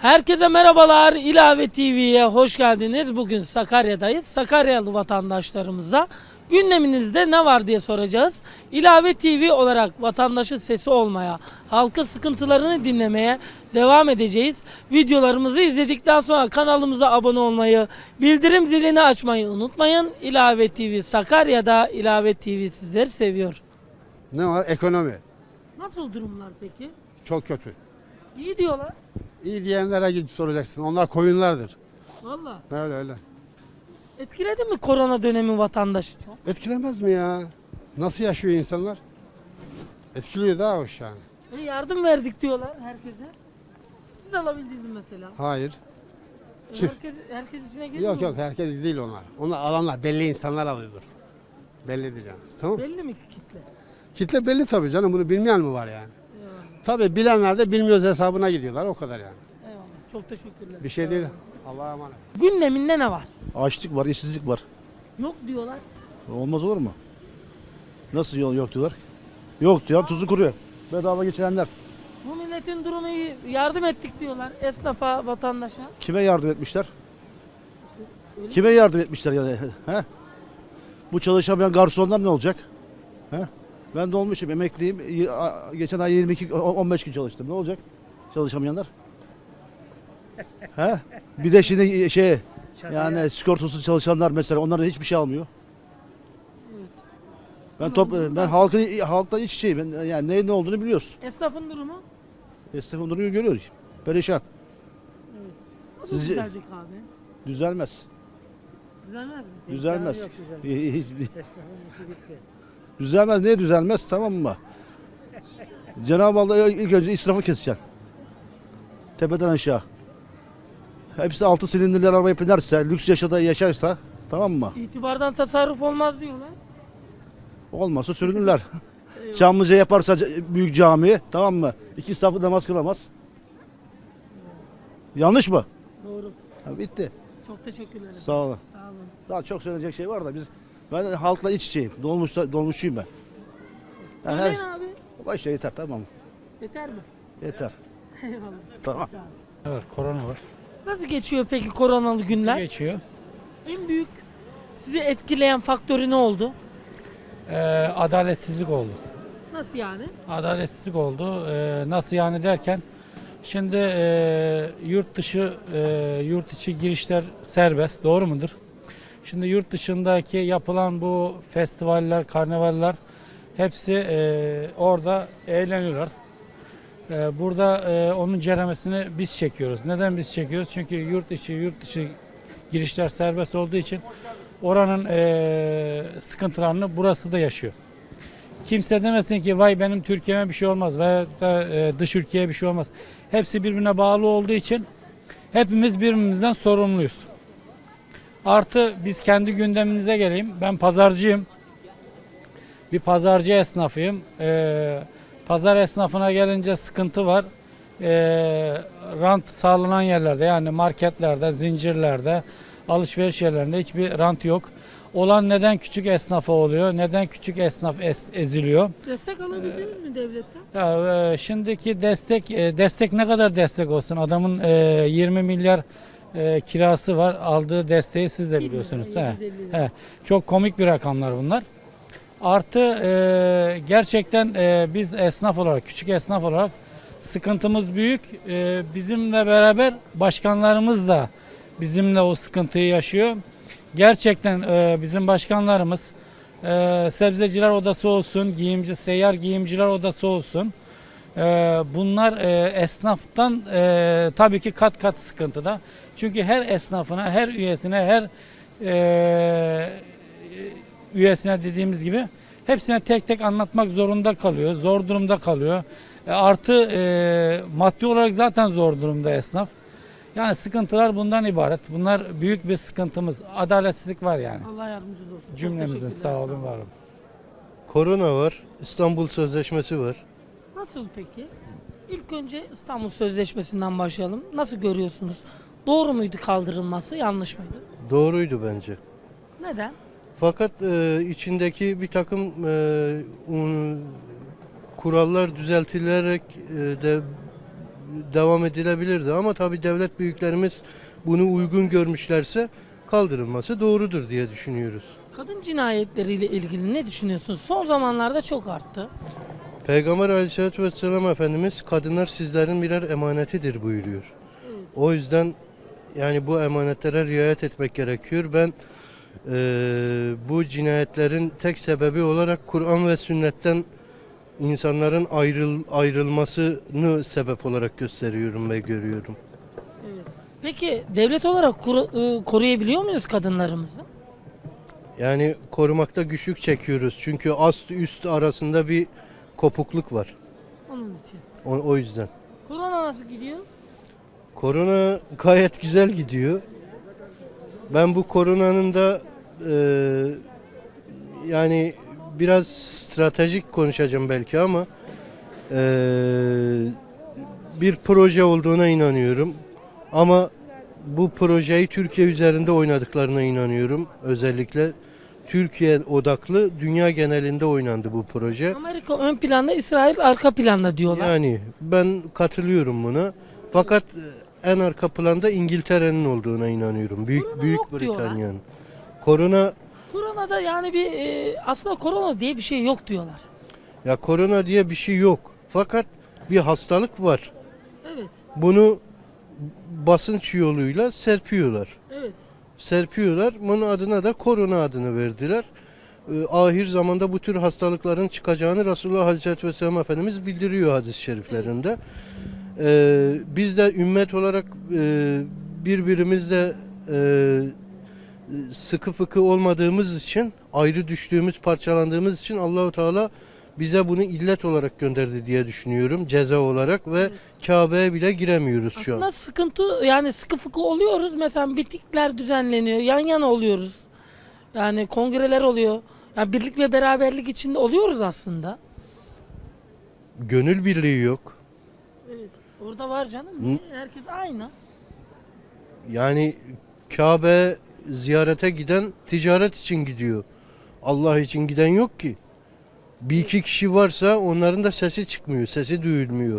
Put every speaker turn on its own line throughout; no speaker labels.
Herkese merhabalar. İlave TV'ye hoş geldiniz. Bugün Sakarya'dayız. Sakaryalı vatandaşlarımıza gündeminizde ne var diye soracağız. İlave TV olarak vatandaşın sesi olmaya, halkın sıkıntılarını dinlemeye devam edeceğiz. Videolarımızı izledikten sonra kanalımıza abone olmayı, bildirim zilini açmayı unutmayın. İlave TV Sakarya'da, İlave TV sizleri seviyor.
Ne var? Ekonomi.
Nasıl durumlar peki?
Çok kötü.
İyi diyorlar.
İyi diyenlere gidip soracaksın. Onlar koyunlardır.
Valla.
Öyle.
Etkiledi mi korona dönemi vatandaşı çok?
Etkilemez mi ya? Nasıl yaşıyor insanlar? Etkiliyor daha hoş yani.
Yardım verdik diyorlar herkese. Siz alabildiniz mi mesela?
Hayır. Çift.
Herkes içine geliyor
Yok
mu?
herkes değil onlar. Onlar alanlar belli insanlar alıyordur. Bellidir yani. Tamam.
Belli mi kitle?
Kitle belli tabii canım. Bunu bilmeyen mi var yani?
Eyvallah.
Tabii bilenler de bilmiyoruz hesabına gidiyorlar. O kadar yani.
Eyvallah. Çok teşekkürler.
Bir şey değil. Allah'a emanet.
Gündeminde ne var?
Açlık var, işsizlik var.
Yok diyorlar.
Olmaz olur mu? Nasıl yol yok diyorlar? Yok diyor, tuzu kuruyor. Bedava geçirenler.
Bu milletin durumu iyi. Yardım ettik diyorlar. Esnafa, vatandaşa.
Kime yardım etmişler?
Öyle
Kime yardım etmişler yani? He? Bu çalışamayan garsonlar ne olacak? He? Ben de olmuşum, emekliyim. Geçen ay 15 gün çalıştım. Ne olacak? Çalışamayanlar? He? Bir de şimdi yani sigortasız çalışanlar mesela onlara hiçbir şey almıyor.
Evet.
Ben halktan iç içeyim. Ben, yani ne olduğunu biliyoruz.
Esnafın durumu
Esnafın durumu görüyoruz. Perişan.
nasıl
Sizce-
düzelecek abi?
Düzelmez.
Düzelmez mi?
Düzelmez.
Yok, düzelmez.
Hiçbir-
Esnafın işi bitti.
Düzelmez. Niye düzelmez? Tamam mı? Cenab-ı Allah ilk önce israfı kesecek. Tepeden aşağı. Hepsi 6 silindirli arabaya binerse, lüks yaşarsa tamam mı?
İtibardan tasarruf olmaz diyorlar.
Olmazsa sürünürler. Çamlıca yaparsa büyük cami tamam mı? 2 safı namaz kılamaz. Yanlış mı?
Doğru.
Ha, bitti.
Çok teşekkürler.
Sağ olun.
Sağ olun.
Daha çok söyleyecek şey var da ben halkla iç içeyim. Dolmuşçuyum ben. Yani
Söyleyin abi.
Başta yeter tamam mı?
Yeter mi?
Yeter.
Eyvallah.
Tamam.
Sağ olun.
Evet, korona var.
Nasıl geçiyor peki koronalı günler?
Geçiyor.
En büyük sizi etkileyen faktörü ne oldu?
Adaletsizlik oldu.
Nasıl yani?
Adaletsizlik oldu. Nasıl yani derken, şimdi yurt içi girişler serbest, doğru mudur? Şimdi yurt dışındaki yapılan bu festivaller, karnavaller hepsi orada eğleniyorlar. Burada onun ceremesini biz çekiyoruz. Neden biz çekiyoruz? Çünkü yurt dışı girişler serbest olduğu için oranın sıkıntılarını burası da yaşıyor. Kimse demesin ki vay benim Türkiye'me bir şey olmaz veya da dış ülkeye bir şey olmaz. Hepsi birbirine bağlı olduğu için hepimiz birbirimizden sorumluyuz. Artı biz kendi gündemimize geleyim. Ben pazarcıyım. Bir pazarcı esnafıyım. Pazar esnafına gelince sıkıntı var. Rant sağlanan yerlerde yani marketlerde, zincirlerde, alışveriş yerlerinde hiçbir rant yok. Olan neden küçük esnafa oluyor? Neden küçük esnaf eziliyor?
Destek alabildiniz mi devletten?
Ya, şimdiki destek ne kadar destek olsun? Adamın 20 milyar kirası var. Aldığı desteği siz de biliyorsunuz.
Bilmiyorum, 750 lira.
Çok komik bir rakamlar bunlar. Artı gerçekten biz esnaf olarak, küçük esnaf olarak sıkıntımız büyük. Bizimle beraber başkanlarımız da bizimle o sıkıntıyı yaşıyor. Gerçekten bizim başkanlarımız sebzeciler odası olsun, seyyar giyimciler odası olsun. Bunlar esnaftan tabii ki kat kat sıkıntıda. Çünkü her esnafına, her üyesine dediğimiz gibi hepsine tek tek anlatmak zorunda kalıyor. Zor durumda kalıyor. Artı maddi olarak zaten zor durumda esnaf. Yani sıkıntılar bundan ibaret. Bunlar büyük bir sıkıntımız. Adaletsizlik var yani.
Allah yardımcınız olsun. Çok
Cümlemizin
teşekkürler,
sağ olun var olun.
Korona var, İstanbul Sözleşmesi var.
Nasıl peki? İlk önce İstanbul Sözleşmesi'nden başlayalım. Nasıl görüyorsunuz? Doğru muydu kaldırılması, yanlış mıydı?
Doğruydu bence.
Neden?
Fakat içindeki bir takım kurallar düzeltilerek de devam edilebilirdi ama tabii devlet büyüklerimiz bunu uygun görmüşlerse kaldırılması doğrudur diye düşünüyoruz.
Kadın cinayetleriyle ilgili ne düşünüyorsunuz? Son zamanlarda çok arttı.
Peygamber Aleyhisselatü Vesselam Efendimiz kadınlar sizlerin birer emanetidir buyuruyor. O yüzden yani bu emanetlere riayet etmek gerekiyor. Ben bu cinayetlerin tek sebebi olarak Kur'an ve sünnetten insanların ayrılmasını sebep olarak gösteriyorum ve görüyorum.
Peki devlet olarak koruyabiliyor muyuz kadınlarımızı?
Yani korumakta güçlük çekiyoruz. Çünkü ast üst arasında bir kopukluk var.
Onun için.
O yüzden.
Korona nasıl gidiyor?
Korona gayet güzel gidiyor. Ben bu koronanın da yani biraz stratejik konuşacağım belki ama bir proje olduğuna inanıyorum. Ama bu projeyi Türkiye üzerinde oynadıklarına inanıyorum. Özellikle Türkiye odaklı dünya genelinde oynandı bu proje.
Amerika ön planda, İsrail arka planda diyorlar.
Yani ben katılıyorum buna. Fakat en arka planda İngiltere'nin olduğuna inanıyorum.
Korona
Büyük
yok diyorlar.
Britanya'nın. Koronada
yani bir aslında korona diye bir şey yok diyorlar.
ya korona diye bir şey yok. Fakat bir hastalık var.
Evet.
Bunu basınç yoluyla serpiyorlar.
Evet.
Bunun adına da korona adını verdiler. Ahir zamanda bu tür hastalıkların çıkacağını Resulullah Aleyhisselatü Vesselam Efendimiz bildiriyor hadis-i şeriflerinde. Biz de ümmet olarak birbirimizle sıkı fıkı olmadığımız için, ayrı düştüğümüz, parçalandığımız için Allahu Teala bize bunu illet olarak gönderdi diye düşünüyorum, ceza olarak ve Kabe'ye bile giremiyoruz şu an.
Aslında sıkıntı, yani sıkı fıkı oluyoruz. Mesela mitingler düzenleniyor. Yan yana oluyoruz. Yani kongreler oluyor. Yani birlik ve beraberlik içinde oluyoruz aslında.
Gönül birliği yok.
Evet. Orada var canım. Niye? Herkes aynı.
Yani Kabe ziyarete giden ticaret için gidiyor. Allah için giden yok ki. Bir iki kişi varsa onların da sesi çıkmıyor, sesi duyulmuyor.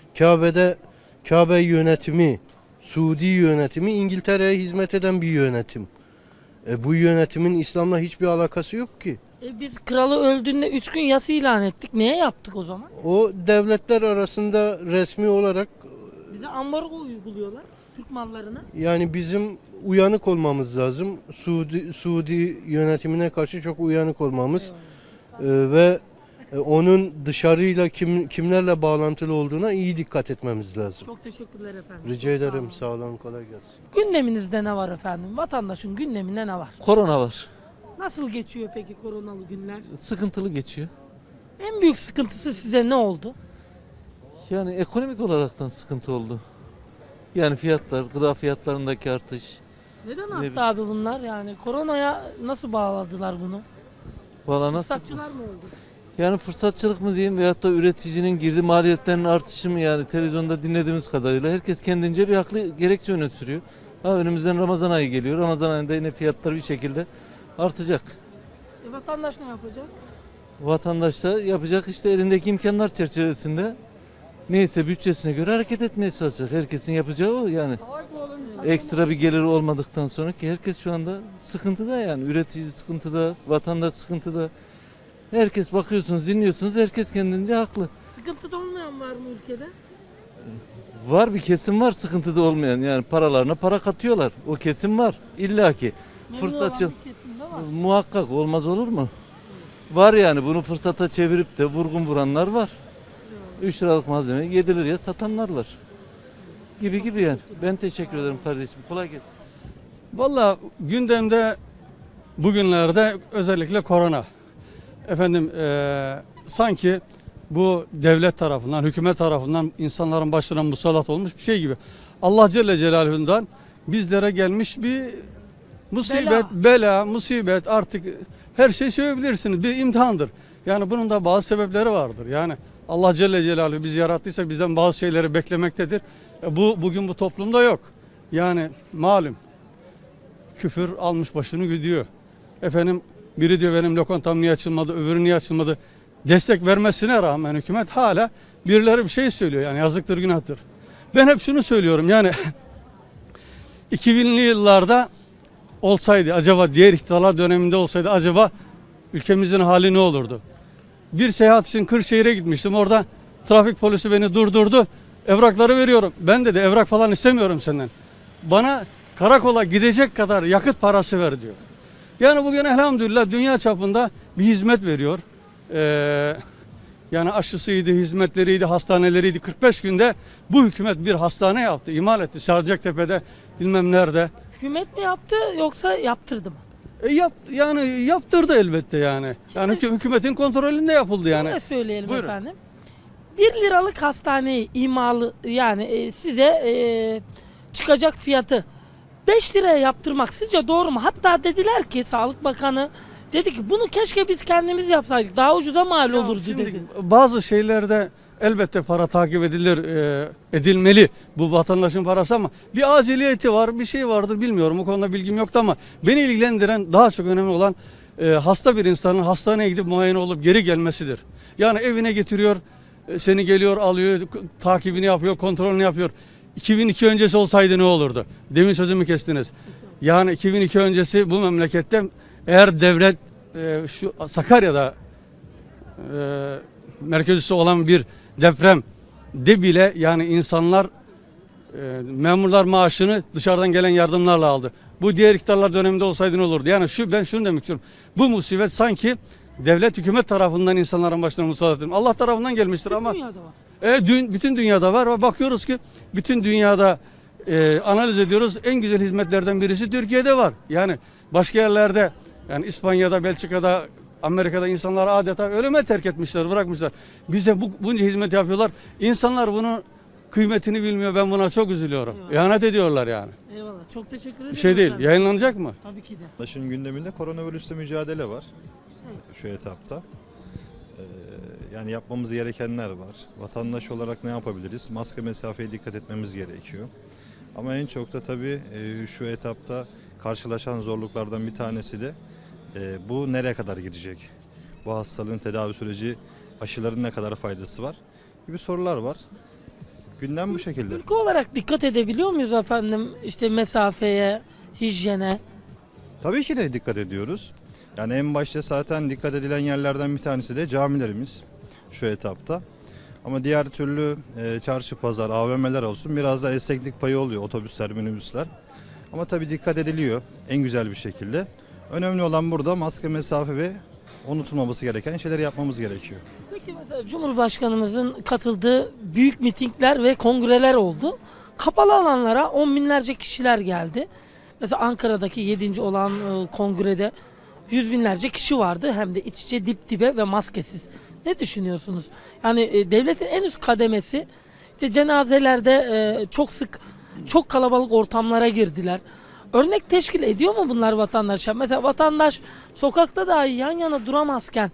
Kabe yönetimi, Suudi yönetimi İngiltere'ye hizmet eden bir yönetim. Bu yönetimin İslam'la hiçbir alakası yok ki.
Biz kralı öldüğünde 3 gün yas ilan ettik. Niye yaptık o zaman?
O devletler arasında resmi olarak
Bize ambargo uyguluyorlar Türk mallarına.
yani bizim uyanık olmamız lazım. Suudi yönetimine karşı çok uyanık olmamız ve onun dışarıyla kimlerle bağlantılı olduğuna iyi dikkat etmemiz lazım.
Çok teşekkürler efendim.
Rica
Çok sağ
ederim.
olun.
Sağ olun. Kolay gelsin.
Gündeminizde ne var efendim? Vatandaşın gündeminde ne var?
Korona var.
Nasıl geçiyor peki koronalı günler?
Sıkıntılı geçiyor.
En büyük sıkıntısı size ne oldu?
Yani ekonomik olaraktan sıkıntı oldu. Yani fiyatlar, gıda fiyatlarındaki artış.
Neden
Ne
arttı
bi-
abi bunlar? Yani koronaya nasıl bağladılar bunu?
Valla nasıl?
Fırsatçılar mı oldu?
Yani fırsatçılık mı diyeyim veyahut da üreticinin girdi maliyetlerinin artışı mı, yani televizyonda dinlediğimiz kadarıyla herkes kendince bir haklı gerekçe öne sürüyor. Önümüzden Ramazan ayı geliyor. Ramazan ayında yine fiyatlar bir şekilde artacak.
Vatandaş ne yapacak?
Vatandaş da yapacak işte elindeki imkanlar çerçevesinde neyse bütçesine göre hareket etmeye çalışacak. Herkesin yapacağı o yani. Ekstra bir gelir olmadıktan sonra ki herkes şu anda sıkıntıda, yani üretici sıkıntıda, vatandaş sıkıntıda. Herkes bakıyorsunuz, dinliyorsunuz, herkes kendince haklı.
Sıkıntıda olmayan var mı ülkede?
Var bir kesim var sıkıntıda olmayan, yani paralarına para katıyorlar. O kesim var illaki.
Memnun
Fırsatçı
olan bir kesim de var.
muhakkak olmaz olur mu? Var yani, bunu fırsata çevirip de vurgun vuranlar var. 3 liralık malzemeyi 7 liraya satanlar var. Gibi yani. Ben teşekkür ederim kardeşim. Kolay gelsin.
Valla gündemde bugünlerde özellikle korona. Efendim sanki bu devlet tarafından, hükümet tarafından insanların başına musallat olmuş bir şey gibi. Allah Celle Celaluhu'ndan bizlere gelmiş bir musibet, bela, musibet, artık her şey söyleyebilirsiniz. Bir imtihandır. Yani bunun da bazı sebepleri vardır. Yani Allah Celle Celaluhu bizi yarattıysa bizden bazı şeyleri beklemektedir. Bugün bu toplumda yok. Yani malum küfür almış başını gidiyor. Efendim biri diyor benim lokantam niye açılmadı, öbürü niye açılmadı. Destek vermesine rağmen hükümet hala birileri bir şey söylüyor. Yani yazıktır, günahtır. Ben hep şunu söylüyorum yani 2000'li yıllarda olsaydı acaba, diğer iktidarlar döneminde olsaydı acaba ülkemizin hali ne olurdu? Bir seyahat için Kırşehir'e gitmiştim. Orada trafik polisi beni durdurdu. Evrakları veriyorum. Ben dedi evrak falan istemiyorum senden. Bana karakola gidecek kadar yakıt parası ver diyor. Yani bugün elhamdülillah dünya çapında bir hizmet veriyor. Yani aşısıydı, hizmetleriydi, hastaneleriydi. 45 günde bu hükümet bir hastane yaptı, imal etti. Sarıcaktepe'de, bilmem nerede.
Hükümet mi yaptı yoksa yaptırdı mı?
Yani yaptırdı elbette yani. Yani hükümetin kontrolünde yapıldı yani.
Şöyle söyleyelim
Buyurun.
efendim. 1 liralık hastaneyi imalı yani size çıkacak fiyatı 5 liraya yaptırmak sizce doğru mu? Hatta dediler ki Sağlık Bakanı dedi ki bunu keşke biz kendimiz yapsaydık. Daha ucuza mal
Ya
olurdu
şimdi
dedi.
bazı şeylerde elbette para takip edilir, edilmeli bu vatandaşın parası ama bir aciliyeti var, bir şey vardır bilmiyorum. O konuda bilgim yoktu ama beni ilgilendiren daha çok önemli olan hasta bir insanın hastaneye gidip muayene olup geri gelmesidir. Yani evine getiriyor, seni geliyor alıyor, takibini yapıyor, kontrolünü yapıyor. 2002 öncesi olsaydı ne olurdu? Demin sözümü kestiniz. Yani 2002 öncesi bu memlekette eğer devlet şu Sakarya'da merkezisi olan bir deprem de bile yani insanlar memurlar maaşını dışarıdan gelen yardımlarla aldı. Bu diğer iktidarlar döneminde olsaydı ne olurdu? Yani ben şunu demek istiyorum. Bu musibet sanki devlet hükümet tarafından insanların başına musallat edilmiş. Allah tarafından gelmiştir ama
Dünyada var.
bütün dünyada var ve bakıyoruz ki bütün dünyada analiz ediyoruz. En güzel hizmetlerden birisi Türkiye'de var. Yani başka yerlerde yani İspanya'da, Belçika'da, Amerika'da insanları adeta ölüme terk etmişler, bırakmışlar. Bize bunca hizmet yapıyorlar. İnsanlar bunun kıymetini bilmiyor. Ben buna çok üzülüyorum. İhanet ediyorlar yani.
Eyvallah. Çok teşekkür ederim.
Bir şey değil.
efendim.
Yayınlanacak mı?
Tabii ki de.
Vatandaşın gündeminde koronavirüsle mücadele var şu etapta. Yani yapmamız gerekenler var. Vatandaş olarak ne yapabiliriz? Maske mesafeye dikkat etmemiz gerekiyor. Ama en çok da tabii şu etapta karşılaşan zorluklardan bir tanesi de bu nereye kadar gidecek? Bu hastalığın tedavi süreci, aşıların ne kadar faydası var gibi sorular var. Gündem bu şekilde.
Ülke olarak dikkat edebiliyor muyuz efendim? İşte mesafeye, hijyene.
Tabii ki de dikkat ediyoruz. Yani en başta zaten dikkat edilen yerlerden bir tanesi de camilerimiz şu etapta. Ama diğer türlü çarşı, pazar, AVM'ler olsun biraz da esneklik payı oluyor otobüsler, minibüsler. Ama tabii dikkat ediliyor en güzel bir şekilde. Önemli olan burada maske, mesafe ve unutulmaması gereken şeyleri yapmamız gerekiyor.
Peki mesela Cumhurbaşkanımızın katıldığı büyük mitingler ve kongreler oldu. Kapalı alanlara on binlerce kişiler geldi. Mesela Ankara'daki 7. olan kongrede yüz binlerce kişi vardı. Hem de iç içe dip dibe ve maskesiz. Ne düşünüyorsunuz? Yani devletin en üst kademesi işte cenazelerde çok sık çok kalabalık ortamlara girdiler. Örnek teşkil ediyor mu bunlar vatandaşa? Mesela vatandaş sokakta dahi yan yana duramazken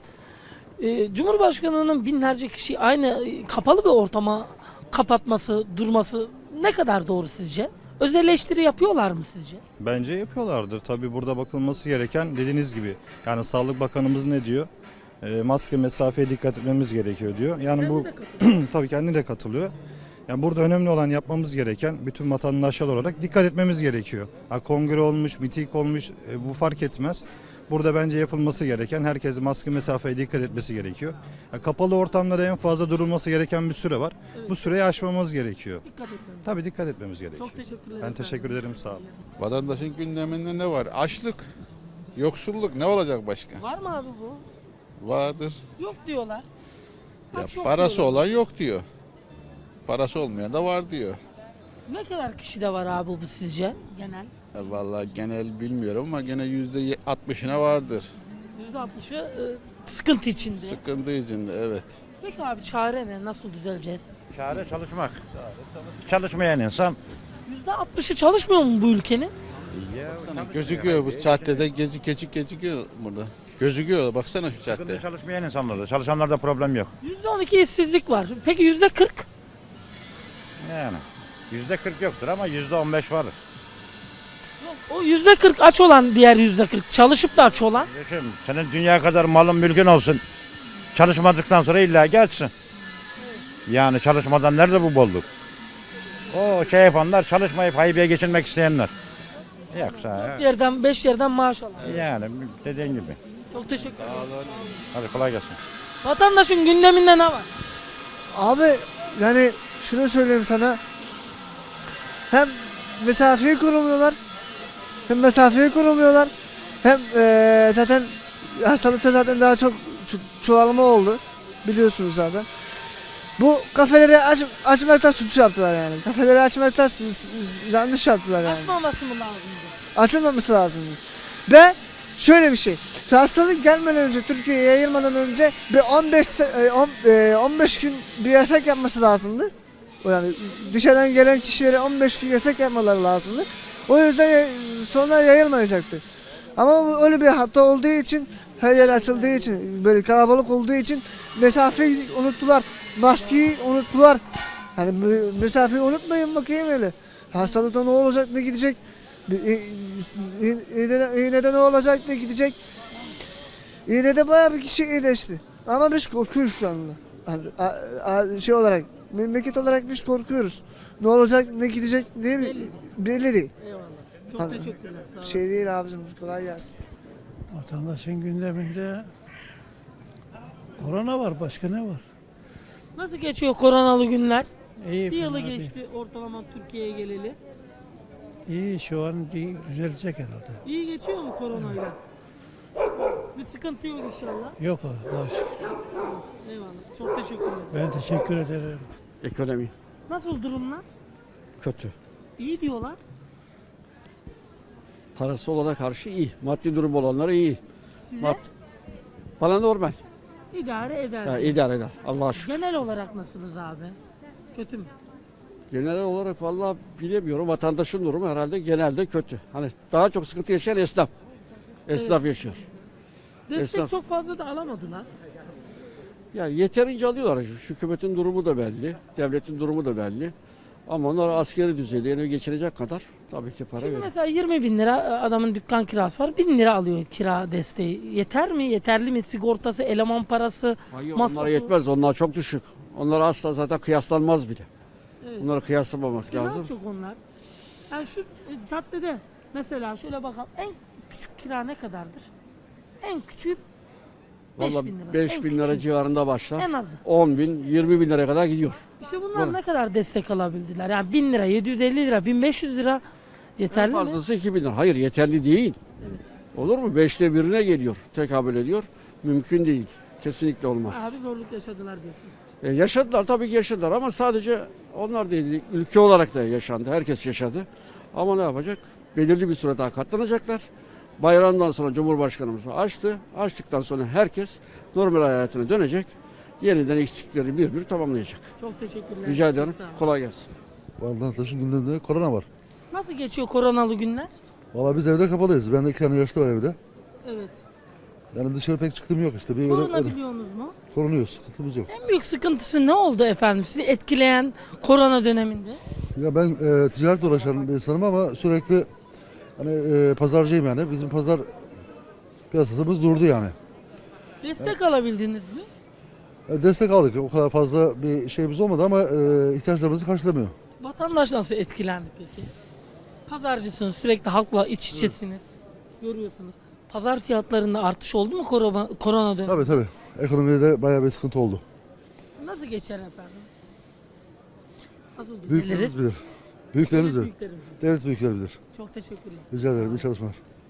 Cumhurbaşkanı'nın binlerce kişi aynı kapalı bir ortama kapatması, durması ne kadar doğru sizce? Öz eleştiri yapıyorlar mı sizce?
Bence yapıyorlardır. Tabii burada bakılması gereken dediğiniz gibi. Yani Sağlık Bakanımız ne diyor? Maske, mesafeye dikkat etmemiz gerekiyor diyor. Yani bu tabii kendi de katılıyor. Yani burada önemli olan yapmamız gereken bütün vatandaşlar olarak dikkat etmemiz gerekiyor. Ha, kongre olmuş, miting olmuş bu fark etmez. Burada bence yapılması gereken herkes maske mesafeye dikkat etmesi gerekiyor. Ha, kapalı ortamda en fazla durulması gereken bir süre var.
Evet.
Bu süreyi aşmamız gerekiyor.
Dikkat etmemiz.
Tabii dikkat etmemiz gerekiyor.
Çok teşekkür ederim.
Ben teşekkür ederim, sağ olun.
Vatandaşın gündeminde ne var? Açlık, yoksulluk ne olacak başka?
Var mı abi bu?
Vardır.
Yok diyorlar.
Ya
Aç yok
parası
diyorlar.
olan yok diyor. Parası olmayan da var diyor.
Ne kadar kişi de var abi bu sizce genel?
Vallahi genel bilmiyorum ama gene %60'ına vardır.
%60'ı sıkıntı içinde.
Sıkıntı içinde, evet.
Peki abi çare ne? Nasıl düzeleceğiz?
Çare çalışmak. Çalışmayan insan
%60'ı çalışmıyor mu bu ülkenin?
Baksana gözüküyor bu caddede gecikiyor burada. Gözüküyor baksana şu cadde.
sıkıntı çalışmayan insanlarda. Çalışanlarda problem yok.
%12 işsizlik var. Peki %40?
Yani %40 yoktur ama %15 vardır.
O %40 aç olan diğer %40 çalışıp da aç olan.
Düşün, senin dünya kadar malın mülkün olsun. Çalışmadıktan sonra illa geçsin. Yani çalışmadan nerede bu bolluk? O şey yapanlar çalışmayıp haybeye geçinmek isteyenler. Yoksa
5 yerden maaş alıyor.
yani dediğin gibi.
Çok teşekkür ederim.
Hadi kolay gelsin.
Vatandaşın gündeminde ne var?
Abi yani şunu söyleyeyim sana. Hem mesafeyi korumuyorlar. Hem zaten hastalıkta zaten daha çok çoğalma oldu. Biliyorsunuz zaten. Bu kafeleri açmakta suç yaptılar yani. Kafeleri açmakta yanlış yaptılar yani.
Açmaması mı lazımdı?
Açılmaması lazım. Ve şöyle bir şey. Hastalık gelmeden önce, Türkiye'ye yayılmadan önce bir 15 gün bir yasak yapması lazımdı. Yani dışarıdan gelen kişilere 15 gün yasak yapmaları lazımdı. O yüzden sonra yayılmayacaktı. Ama öyle bir hata olduğu için, her yer açıldığı için, böyle kalabalık olduğu için mesafeyi unuttular. Maskeyi unuttular. Hani mesafeyi unutmayın bakayım öyle. Hastalıkta ne olacak, ne gidecek? İğnede ne olacak, ne gidecek? İğnede bayağı bir kişi iyileşti. Ama biz korkuyoruz şu anda. Hani, şey olarak, memleket olarak biz korkuyoruz. Ne olacak, ne gidecek değil mi? Belli değil.
Eyvallah. Çok
Hani,
teşekkürler. Sağ olun.
Şey değil abicim, kolay gelsin.
Vatandaşın gündeminde korona var, başka ne var?
Nasıl geçiyor koronalı günler?
İyi,
Bir yılı
fena değil.
geçti ortalama Türkiye'ye geleli.
İyi, şu an düzelecek herhalde.
İyi geçiyor mu koronayla? Bir sıkıntı yok inşallah.
Yok Allah'a şükür.
Eyvallah. Çok teşekkürler.
Ben teşekkür ederim.
Ekonomi
Nasıl durumlar?
kötü.
İyi diyorlar.
Parası olana karşı iyi. Maddi durum olanlara iyi.
Size
Bana normal.
idare eder.
Ya, idare eder. Allah'a şükür.
Genel olarak nasılsınız abi? Kötü mü?
Genel olarak vallahi bilemiyorum. Vatandaşın durumu herhalde genelde kötü. Hani daha çok sıkıntı yaşayan esnaf. Esnaf yaşıyor.
Destek
Esnaf.
çok fazla da alamadılar.
Ya yeterince alıyorlar. Hükümetin durumu da belli. Devletin durumu da belli. Ama onlar askeri düzeyde evi geçirecek kadar tabii ki para
Şimdi
veriyor.
mesela 20 bin lira adamın dükkan kirası var. 1000 lira alıyor kira desteği. Yeter mi? Yeterli mi? Sigortası, eleman parası,
Hayır,
masrafı.
onlara yetmez. Onlar çok düşük. Onlar asla zaten kıyaslanmaz bile.
Evet.
Bunları kıyaslamamak
Kira
lazım.
çok onlar. Yani şu caddede mesela şöyle bakalım. En küçük kira ne kadardır? En küçüğü 5
Vallahi
bin lira.
5
En
bin lira
küçüğü.
civarında başlar.
En azı.
10 bin, 20 bin liraya kadar gidiyor.
İşte bunlar
Doğru.
ne kadar destek alabildiler? Yani 1000 lira, 750 lira, 1500 lira
En
yeterli mi?
fazlası 2 bin lira. Hayır yeterli değil. Olur mu? 5'te birine geliyor. Tekabül ediyor. Mümkün değil. Kesinlikle olmaz.
Abi zorluk yaşadılar diyorsunuz.
Yaşadılar tabii ki yaşadılar ama sadece onlar değil. Ülke olarak da yaşandı. Herkes yaşadı. Ama ne yapacak? Belirli bir süre daha katlanacaklar. Bayramdan sonra Cumhurbaşkanımız açtı. Açtıktan sonra herkes normal hayatına dönecek. Yeniden eksikleri bir tamamlayacak.
Çok teşekkürler.
Rica
Çok
ederim.
sağ olun.
Kolay gelsin.
Vatandaşın gündeminde korona var.
Nasıl geçiyor koronalı günler?
Valla biz evde kapalıyız. Ben de 2 tane yaşlı var evde.
Evet.
Yani dışarı pek çıktığım yok işte. Bir
Korunabiliyorsunuz mu?
korunuyoruz. Sıkıntımız yok.
En büyük sıkıntısı ne oldu efendim sizi etkileyen korona döneminde?
Ya ben ticaretle uğraşan bir insanım ama sürekli hani pazarcıyım yani. Bizim pazar piyasasımız durdu yani.
Destek alabildiniz mi?
Destek aldık. O kadar fazla bir şeyimiz olmadı ama ihtiyaçlarımızı karşılamıyor.
Vatandaş nasıl etkilendi peki? Pazarcısınız, sürekli halkla iç içesiniz. Görüyorsunuz. Pazar fiyatlarında artış oldu mu korona döneminde?
Tabii. Ekonomide de bayağı bir sıkıntı oldu.
Nasıl geçer efendim? Nasıl düzeliriz?
Büyüklerimiz bilir. Büyüklerimiz bilir.
Büyüklerimiz.
Devlet büyükleri bilir.
Çok teşekkürler.
Rica ederim. İyi çalışmalar.